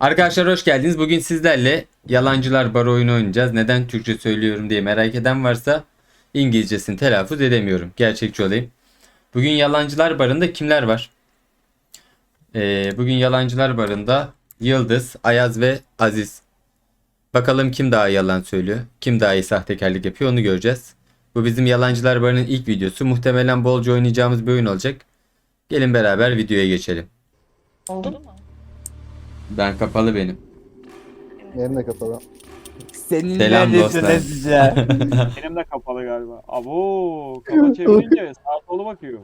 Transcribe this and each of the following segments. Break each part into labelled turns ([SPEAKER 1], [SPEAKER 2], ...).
[SPEAKER 1] Arkadaşlar hoş geldiniz. Bugün sizlerle Yalancılar Bar oyunu oynayacağız. Neden Türkçe söylüyorum diye merak eden varsa İngilizcesini telaffuz edemiyorum. Gerçekçi olayım. Bugün Yalancılar Barı'nda kimler var? Bugün Yalancılar Barı'nda Yıldız, Ayaz ve Aziz. Bakalım kim daha iyi yalan söylüyor, kim daha iyi sahtekarlık yapıyor onu göreceğiz. Bu bizim Yalancılar Barı'nın ilk videosu. Muhtemelen bolca oynayacağımız bir oyun olacak. Gelin beraber videoya geçelim.
[SPEAKER 2] Oldu mu?
[SPEAKER 1] Ben kapalı benim.
[SPEAKER 3] Benim de kapalı.
[SPEAKER 4] Seninle
[SPEAKER 1] Selam
[SPEAKER 4] ne
[SPEAKER 1] dostlar.
[SPEAKER 4] söyleyeceğim?
[SPEAKER 5] Benim de kapalı galiba. Abo, kafa çevirince sağa sola bakıyor.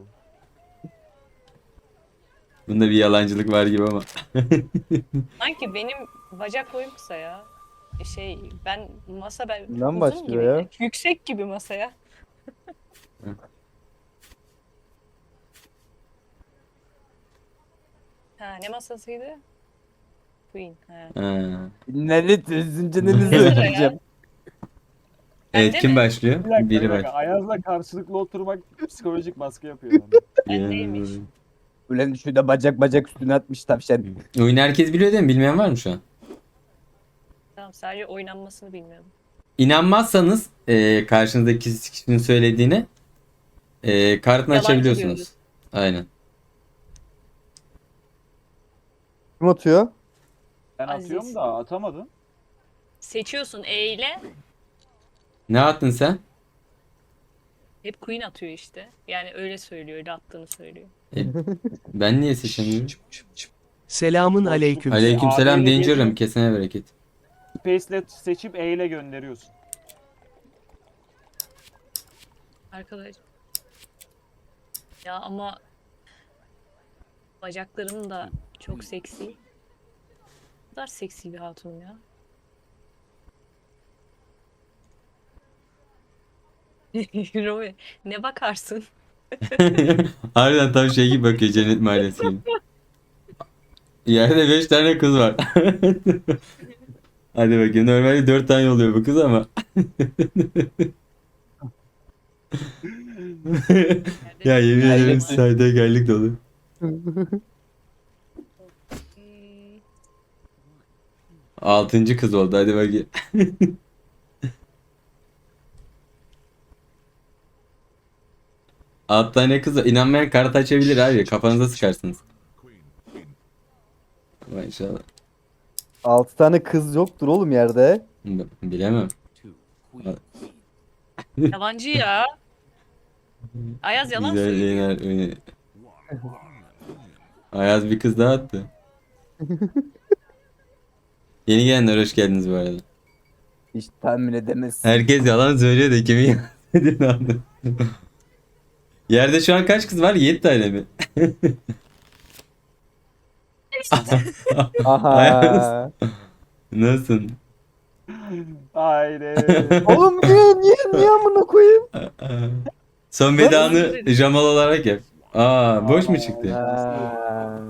[SPEAKER 1] Bunda bir yalancılık var gibi ama.
[SPEAKER 2] Sanki benim bacak boyum kısa ya. Ben
[SPEAKER 3] Bundan
[SPEAKER 2] uzun
[SPEAKER 3] başlıyor
[SPEAKER 2] gibi.
[SPEAKER 3] ya.
[SPEAKER 2] Yüksek gibi masaya. Ha, ne masasıydı? Queen. Ha.
[SPEAKER 1] Ha.
[SPEAKER 4] Nelit üzünce ne
[SPEAKER 2] sıra
[SPEAKER 4] söyleyeceğim?
[SPEAKER 1] Evet,
[SPEAKER 2] Bende
[SPEAKER 1] kim
[SPEAKER 2] mi?
[SPEAKER 1] başlıyor?
[SPEAKER 5] Bir dakika,
[SPEAKER 1] Biri
[SPEAKER 5] bir dakika.
[SPEAKER 1] başlıyor.
[SPEAKER 5] Ayaz'la karşılıklı oturmak psikolojik baskı yapıyor bana.
[SPEAKER 2] Bendeymiş.
[SPEAKER 4] Ulan şurada bacak üstüne atmış tavşan.
[SPEAKER 1] Oyunu herkes biliyor değil mi? Bilmeyen var mı şu an?
[SPEAKER 2] Tamam, sadece oynanmasını bilmiyorum.
[SPEAKER 1] İnanmazsanız karşınızdaki kişinin söylediğine kartını
[SPEAKER 2] Yalancı
[SPEAKER 1] açabiliyorsunuz.
[SPEAKER 2] diyoruz.
[SPEAKER 1] Aynen.
[SPEAKER 3] Kim atıyor?
[SPEAKER 5] Ben
[SPEAKER 2] Aziz.
[SPEAKER 5] atıyorum da atamadım.
[SPEAKER 2] Seçiyorsun E ile.
[SPEAKER 1] Ne attın sen?
[SPEAKER 2] Hep Queen atıyor işte. Yani öyle söylüyor, öyle attığını söylüyor.
[SPEAKER 1] E, ben niye seçemiyorum?
[SPEAKER 6] Selamın aleyküm.
[SPEAKER 1] Aleykümselam
[SPEAKER 5] Abiyle
[SPEAKER 1] Danger'ım.
[SPEAKER 5] geliyor.
[SPEAKER 1] Kesene bereket.
[SPEAKER 5] Space'le seçip E ile gönderiyorsun.
[SPEAKER 2] Arkadaş. Ya ama bacaklarım da çok seksi. Ne kadar seksi bir hatun ya. Roy, ne bakarsın?
[SPEAKER 1] Harbiden tam şey gibi bakıyor, Cennet Mahallesi gibi. Yerde 5 tane kız var. Hadi bakayım, normalde 4 tane oluyor bu kız ama. Ya yemin ederim
[SPEAKER 4] Hayret.
[SPEAKER 1] sahtekarlık dolu.
[SPEAKER 2] Hmm,
[SPEAKER 1] 6. kız oldu, hadi bakayım. 6 tane kız var. İnanmayan kart açabilir abi. Kafanıza sıkarsınız. Maşallah.
[SPEAKER 3] 6 tane kız yoktur oğlum yerde.
[SPEAKER 1] Bilemem.
[SPEAKER 2] Yalancı ya. Ayaz yalan
[SPEAKER 1] Güzel
[SPEAKER 2] söylüyor.
[SPEAKER 1] yayınlar. Ayaz bir kız daha attı. Yeni gelenler hoş geldiniz bu arada.
[SPEAKER 4] Hiç tahmin edemezsin.
[SPEAKER 1] Herkes yalan söylüyor da kimin yalan söylediğini anladım. Yerde şu an kaç kız var? 7 tane mi?
[SPEAKER 3] Aha.
[SPEAKER 1] Nasıl?
[SPEAKER 5] Haydi.
[SPEAKER 3] Oğlum niye amına koyayım?
[SPEAKER 1] Son vedanı Jamal olarak yap. Aa, boş mu çıktı?
[SPEAKER 3] Ha.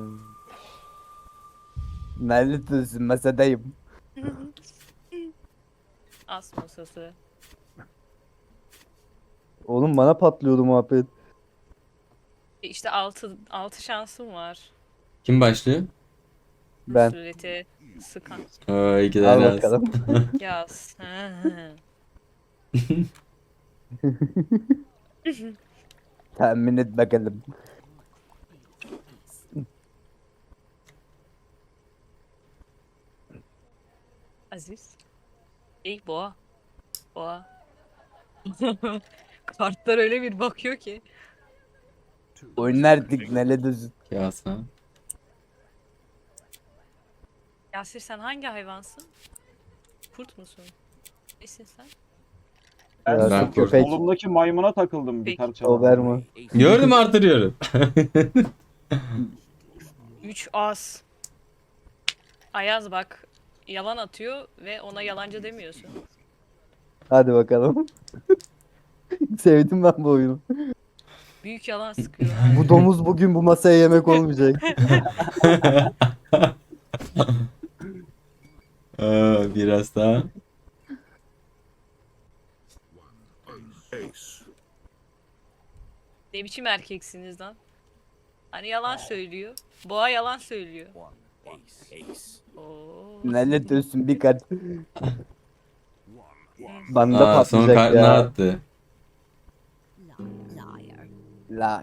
[SPEAKER 4] Nelit üzün masadayım.
[SPEAKER 2] As masası.
[SPEAKER 3] Oğlum bana patlıyordu muhabbet.
[SPEAKER 2] İşte altı şansım var.
[SPEAKER 1] Kim başlıyor?
[SPEAKER 3] Ben.
[SPEAKER 2] Sureti sıkan.
[SPEAKER 1] Aa, iki
[SPEAKER 3] Al
[SPEAKER 1] tane az.
[SPEAKER 3] bakalım.
[SPEAKER 2] Yaz.
[SPEAKER 4] Tahmin et bakalım.
[SPEAKER 2] Aziz. Boğa. Boğa. Kartlar öyle bir bakıyor ki.
[SPEAKER 4] Oynardık nelit üzün.
[SPEAKER 1] Kasa.
[SPEAKER 2] Yasir, sen hangi hayvansın? Kurt musun? Nesin sen?
[SPEAKER 5] Ben
[SPEAKER 1] Ben
[SPEAKER 3] köpek.
[SPEAKER 5] solumdaki maymuna takıldım
[SPEAKER 2] Peki.
[SPEAKER 5] gitar çalan.
[SPEAKER 3] Doberman.
[SPEAKER 1] Gördüm, artırıyorum.
[SPEAKER 2] 3 as. Ayaz bak. Yalan atıyor ve ona yalancı demiyorsun.
[SPEAKER 3] Hadi bakalım. Sevdim ben bu oyunu.
[SPEAKER 2] Büyük yalan sıkıyor.
[SPEAKER 3] Bu domuz bugün bu masaya yemek olmayacak.
[SPEAKER 1] Aa, biraz daha.
[SPEAKER 2] Ne biçim erkeksiniz lan? Hani yalan söylüyor. Boğa yalan söylüyor. Oo.
[SPEAKER 4] Lanet olsun bir kat. Banda
[SPEAKER 1] Aa, son
[SPEAKER 4] patlayacak
[SPEAKER 1] kartını
[SPEAKER 4] ya.
[SPEAKER 1] attı.
[SPEAKER 4] La.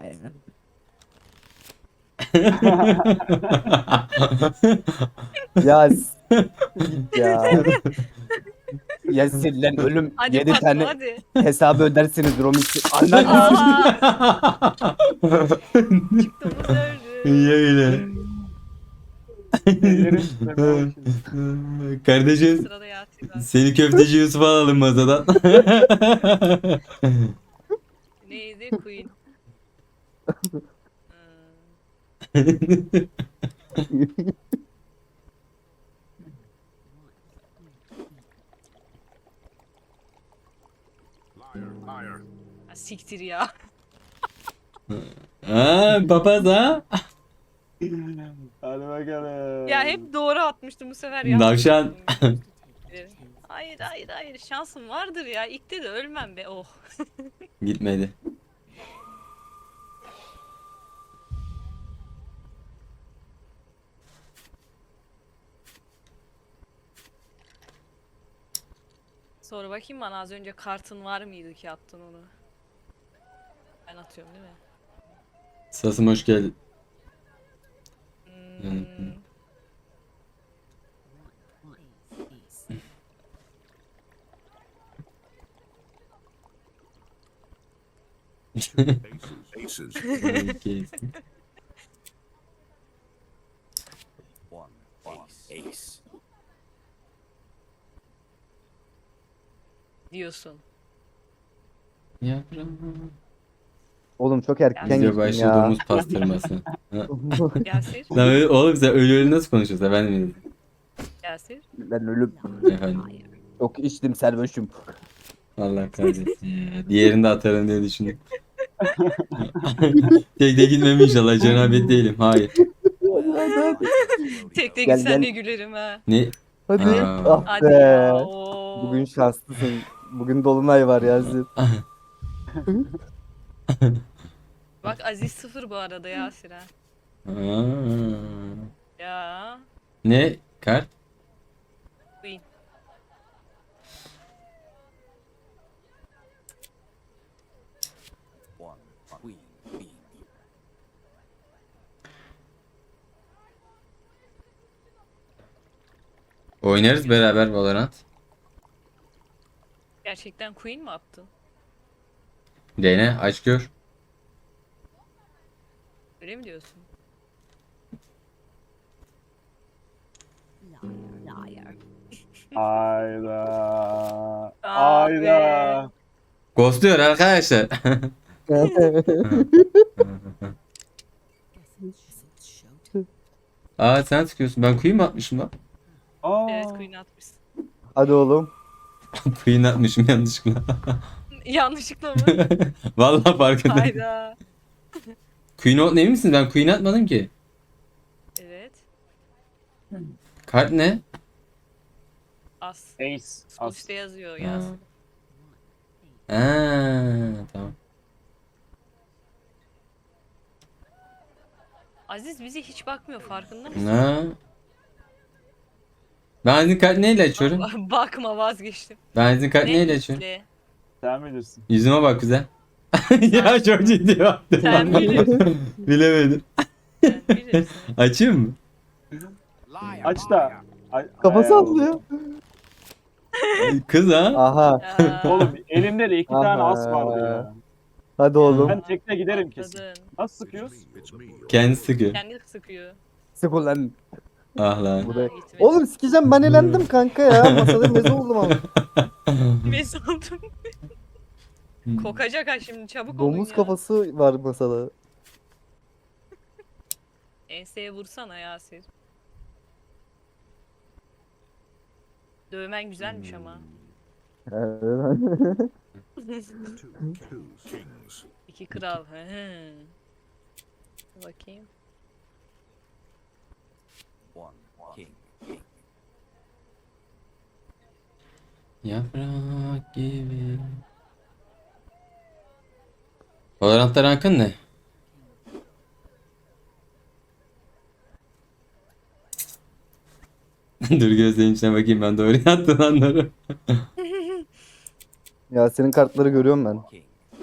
[SPEAKER 4] Ya git ya. Ya lan ölüm
[SPEAKER 2] Hadi
[SPEAKER 4] 7
[SPEAKER 2] bakma
[SPEAKER 4] tane
[SPEAKER 2] hadi.
[SPEAKER 4] hesabı ödersiniz Romis. Anladın mı?
[SPEAKER 2] Aha çıktığımız öldü.
[SPEAKER 1] İyi öyle.
[SPEAKER 5] Ellerim titremeye başladı.
[SPEAKER 1] Kardeşim
[SPEAKER 2] Sırada Yasin var.
[SPEAKER 1] seni köfteci Yusuf'a alalım masadan.
[SPEAKER 2] Neydi? Queen. Hmm. Ha, siktir ya.
[SPEAKER 1] Ha, papaz ha?
[SPEAKER 5] Hadi bakalım.
[SPEAKER 2] Ya hep doğru atmıştım bu sefer ya.
[SPEAKER 1] Navşan.
[SPEAKER 2] Hayır hayır hayır şansım vardır ya. İlkte de ölmem be. Oh.
[SPEAKER 1] Gitmedi.
[SPEAKER 2] Sonra bakayım bana az önce kartın var mıydı ki attın onu? Ben atıyorum değil mi?
[SPEAKER 1] Sasım hoş geldin.
[SPEAKER 2] Hmm.
[SPEAKER 7] Aces.
[SPEAKER 1] Okey.
[SPEAKER 7] Ace.
[SPEAKER 2] Diyorsun.
[SPEAKER 1] Yavrum.
[SPEAKER 3] Oğlum çok erken
[SPEAKER 1] Bize
[SPEAKER 3] gittim
[SPEAKER 1] başladı
[SPEAKER 3] ya.
[SPEAKER 1] domuz pastırması.
[SPEAKER 2] Yasir.
[SPEAKER 1] Lan öyle, oğlum sen öyle nasıl konuşuyorsun efendim?
[SPEAKER 2] Yasir.
[SPEAKER 4] Ben ölüm.
[SPEAKER 1] Efendim.
[SPEAKER 4] Çok içtim servoşum.
[SPEAKER 1] Allah kahretsin ya. Diğerini de atarım diye düşündüm. Tek de gitmem inşallah. Cenabet değilim. Hayır.
[SPEAKER 2] Tek de
[SPEAKER 4] Gel,
[SPEAKER 2] gitsen
[SPEAKER 4] gel.
[SPEAKER 2] de gülerim ha.
[SPEAKER 1] Ne?
[SPEAKER 3] Hadi.
[SPEAKER 1] Aa.
[SPEAKER 3] Ah
[SPEAKER 2] Hadi
[SPEAKER 3] be.
[SPEAKER 2] ya. Oo.
[SPEAKER 3] Bugün şanslısın. Bugün dolunay var Yazır.
[SPEAKER 2] Bak Aziz 0 bu arada Yasir ha.
[SPEAKER 1] Aa.
[SPEAKER 2] Ya.
[SPEAKER 1] Ne? Kart?
[SPEAKER 2] Queen.
[SPEAKER 1] Oynarız beraber Valorant.
[SPEAKER 2] Gerçekten Queen mi attın?
[SPEAKER 1] Dene aç gör.
[SPEAKER 2] Öyle mi diyorsun?
[SPEAKER 5] Hayda.
[SPEAKER 2] Ah
[SPEAKER 5] Hayda.
[SPEAKER 1] Ghostluyor arkadaşlar. Aa sen sıkıyorsun. Ben queen mi atmışım lan?
[SPEAKER 5] Aa.
[SPEAKER 2] Evet Queen atmışsın.
[SPEAKER 3] Hadi oğlum.
[SPEAKER 1] Queen atmışım yanlışlıkla.
[SPEAKER 2] Yanlışlıkla mı?
[SPEAKER 1] Vallahi farkındayım.
[SPEAKER 2] Hayda.
[SPEAKER 1] Queen ol ne misin? Ben queen atmadım ki.
[SPEAKER 2] Evet.
[SPEAKER 1] Kart ne?
[SPEAKER 2] As.
[SPEAKER 5] Ace. As.
[SPEAKER 2] Üstte yazıyor
[SPEAKER 1] Ha.
[SPEAKER 2] Yasin.
[SPEAKER 1] Tamam.
[SPEAKER 2] Aziz bize hiç bakmıyor farkında mısın?
[SPEAKER 1] Ha. Ben sizin kart neyle açıyorum?
[SPEAKER 2] Bakma vazgeçtim.
[SPEAKER 1] Ben sizin kart
[SPEAKER 2] Ne?
[SPEAKER 1] neyle açıyorum?
[SPEAKER 2] Le.
[SPEAKER 5] Sen bilirsin.
[SPEAKER 1] Yüzüme bak güzel. Ya çok ciddi baktım.
[SPEAKER 2] Sen bilirsin.
[SPEAKER 1] Bilemedim.
[SPEAKER 2] Sen bilirsin.
[SPEAKER 1] Açayım mı?
[SPEAKER 5] Aç da.
[SPEAKER 3] Kafa
[SPEAKER 5] Ay,
[SPEAKER 3] sallıyor.
[SPEAKER 1] Kız ha?
[SPEAKER 3] Aha.
[SPEAKER 2] Ya,
[SPEAKER 5] Oğlum elimde de 2 tane
[SPEAKER 3] Aha.
[SPEAKER 5] as vardı ya.
[SPEAKER 3] Hadi oğlum.
[SPEAKER 5] Ben tekne giderim kesin.
[SPEAKER 2] atladın.
[SPEAKER 5] Nasıl sıkıyoruz?
[SPEAKER 1] Kendisi sıkıyor.
[SPEAKER 2] Kendi sıkıyor.
[SPEAKER 4] Sık ulan.
[SPEAKER 1] Ah lan.
[SPEAKER 3] Bu da-
[SPEAKER 2] Ha, gitmedi.
[SPEAKER 3] Oğlum sikeceğim ben elendim kanka ya. Masada meze oldum ama.
[SPEAKER 2] Mes oldum. Kokacak ha şimdi çabuk olun
[SPEAKER 3] Domuz
[SPEAKER 2] ya.
[SPEAKER 3] kafası var masada.
[SPEAKER 2] Enseye vursana Yasir. Dövmen güzelmiş ama. İki kral. Hı hı. Bakayım.
[SPEAKER 1] Yaprak gibi. Valorant'ta rankın ne? Dur gözlerinin içine bakayım ben doğru yattın anlarım.
[SPEAKER 3] Yasin'in kartları görüyorum ben.
[SPEAKER 7] King.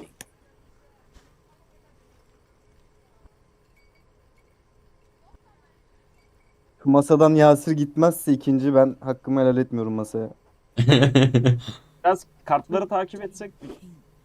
[SPEAKER 3] Şu masadan Yasir gitmezse ikinci ben hakkımı helal etmiyorum masaya.
[SPEAKER 5] Biraz kartları takip etsek mi?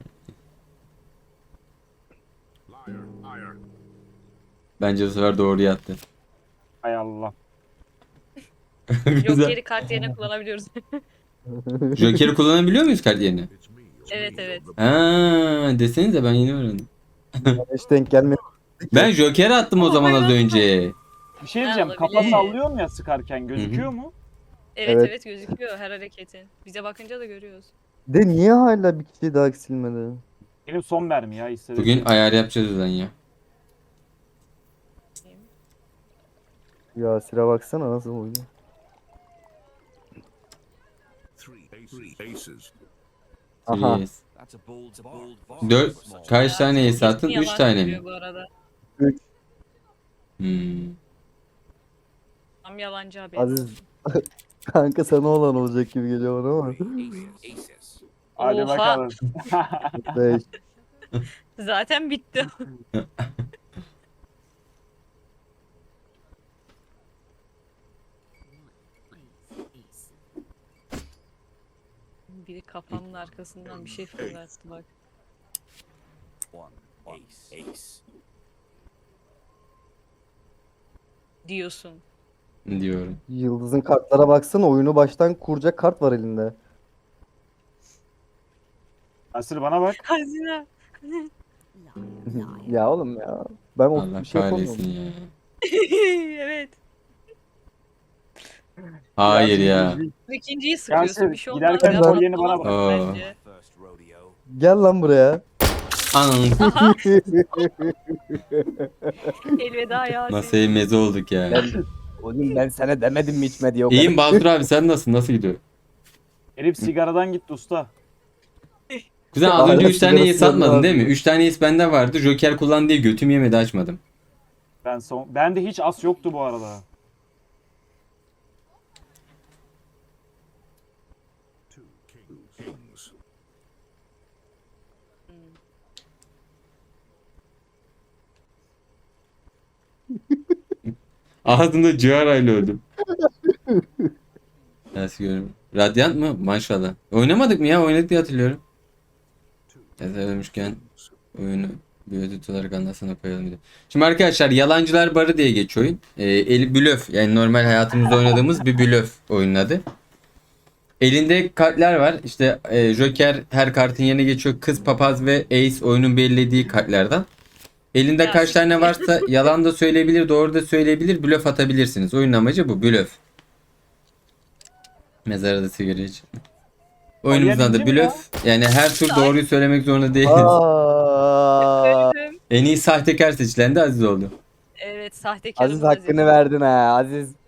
[SPEAKER 1] Bence bu sefer doğru yattı.
[SPEAKER 5] Hay Allah.
[SPEAKER 2] Yok
[SPEAKER 1] Güzel.
[SPEAKER 2] geri kart yerine kullanabiliyoruz.
[SPEAKER 1] Joker'i kullanabiliyor muyuz kart yerine?
[SPEAKER 2] Evet evet.
[SPEAKER 1] Ha, desenize ben yeni öğrendim.
[SPEAKER 3] Bana hiç denk gelmedi.
[SPEAKER 1] Ben Joker'i attım o zaman az önce.
[SPEAKER 5] Bir şey
[SPEAKER 2] Ha,
[SPEAKER 5] diyeceğim. Kafa
[SPEAKER 2] olabilir.
[SPEAKER 5] sallıyor mu ya sıkarken? Gözüküyor mu?
[SPEAKER 2] Evet
[SPEAKER 3] Evet.
[SPEAKER 2] evet gözüküyor her hareketin. Bize bakınca da görüyoruz.
[SPEAKER 3] De niye hala bir kişi daha eksilmedi?
[SPEAKER 5] Benim son mermi ya hissederim.
[SPEAKER 1] Bugün ayar yapacağız o zaman ya.
[SPEAKER 3] Yasir'e baksana nasıl oynuyor.
[SPEAKER 7] Three aces.
[SPEAKER 3] Aha.
[SPEAKER 1] Yes.
[SPEAKER 7] That's a bold.
[SPEAKER 1] 4 kaç tane ace
[SPEAKER 2] Kesin
[SPEAKER 1] attın? 3
[SPEAKER 2] yalan
[SPEAKER 1] tane mi?
[SPEAKER 2] söylüyor Bu arada.
[SPEAKER 1] Hmm.
[SPEAKER 2] Tam yalancı abi.
[SPEAKER 3] Aziz kanka sana olan olacak gibi geliyor bana ama.
[SPEAKER 7] Aces.
[SPEAKER 5] Hadi
[SPEAKER 2] Oha.
[SPEAKER 5] bakalım.
[SPEAKER 3] 5.
[SPEAKER 2] Zaten bitti. Biri kafamın arkasından bir şey fırlattı bak.
[SPEAKER 7] One ace.
[SPEAKER 2] Diyorsun.
[SPEAKER 1] Diyorum.
[SPEAKER 3] Yıldız'ın kartlara baksana oyunu baştan kuracak kart var elinde.
[SPEAKER 5] Asır bana bak.
[SPEAKER 2] Hazine.
[SPEAKER 3] Ya oğlum ya. Ben o
[SPEAKER 1] Allah
[SPEAKER 3] bir şey
[SPEAKER 1] kahretsin
[SPEAKER 3] yapamıyorum.
[SPEAKER 1] ya.
[SPEAKER 2] Evet.
[SPEAKER 1] Hayır ya.
[SPEAKER 2] Bu ikinciyi sıkıyorsun.
[SPEAKER 5] Yasin,
[SPEAKER 2] Bir şey olmaz.
[SPEAKER 5] giderken
[SPEAKER 2] ya.
[SPEAKER 5] kolyeni bana bak.
[SPEAKER 1] Aa.
[SPEAKER 2] Bence.
[SPEAKER 7] First rodeo.
[SPEAKER 3] Gel lan buraya.
[SPEAKER 1] Anam.
[SPEAKER 2] Elveda Yasin.
[SPEAKER 1] Masaya meze olduk ya.
[SPEAKER 4] Ben, oğlum ben sana demedim mi içme diye o
[SPEAKER 1] İyiyim Basur abi sen nasılsın? Nasıl gidiyor?
[SPEAKER 5] Herif sigaradan gitti usta.
[SPEAKER 1] Kuzen az
[SPEAKER 3] Hala
[SPEAKER 1] önce 3 tane
[SPEAKER 3] sigarası
[SPEAKER 1] ace atmadın
[SPEAKER 3] yanıyor
[SPEAKER 1] değil mi?
[SPEAKER 3] abi.
[SPEAKER 1] 3 tane ace bende vardı. Joker kullan diye götüm yemedi açmadım.
[SPEAKER 5] Bende hiç as yoktu bu arada.
[SPEAKER 7] Kings.
[SPEAKER 1] Ağzımda ciğerayla öldüm. Nasıl görüyorum? Radyant mı? Maşallah. Oynamadık mı ya? Oynadık diye hatırlıyorum. Yazılmışken oyunu bir ödül olarak anlasana koyalım bir de. Şimdi arkadaşlar Yalancılar Barı diye geçiyor oyun. Blöf yani normal hayatımızda oynadığımız bir blöf oyunun adı. Elinde kartlar var. İşte Joker her kartın yerine geçiyor. Kız, papaz ve ace oyunun belirlediği kartlardan. Elinde
[SPEAKER 2] Ya,
[SPEAKER 1] kaç tane varsa yalan da söyleyebilir, doğru da söyleyebilir, blöf atabilirsiniz. Oyunun amacı bu, blöf. Mezara da sigara iç. Oyunumuzun adı
[SPEAKER 5] Oynayabildim ya.
[SPEAKER 1] blöf. Yani her tur doğruyu söylemek zorunda değiliz.
[SPEAKER 3] Aa,
[SPEAKER 2] Öldüm.
[SPEAKER 1] En iyi sahtekar seçilen de Aziz oldu.
[SPEAKER 2] Evet sahtekarım
[SPEAKER 3] Aziz hakkını verdin ha Aziz.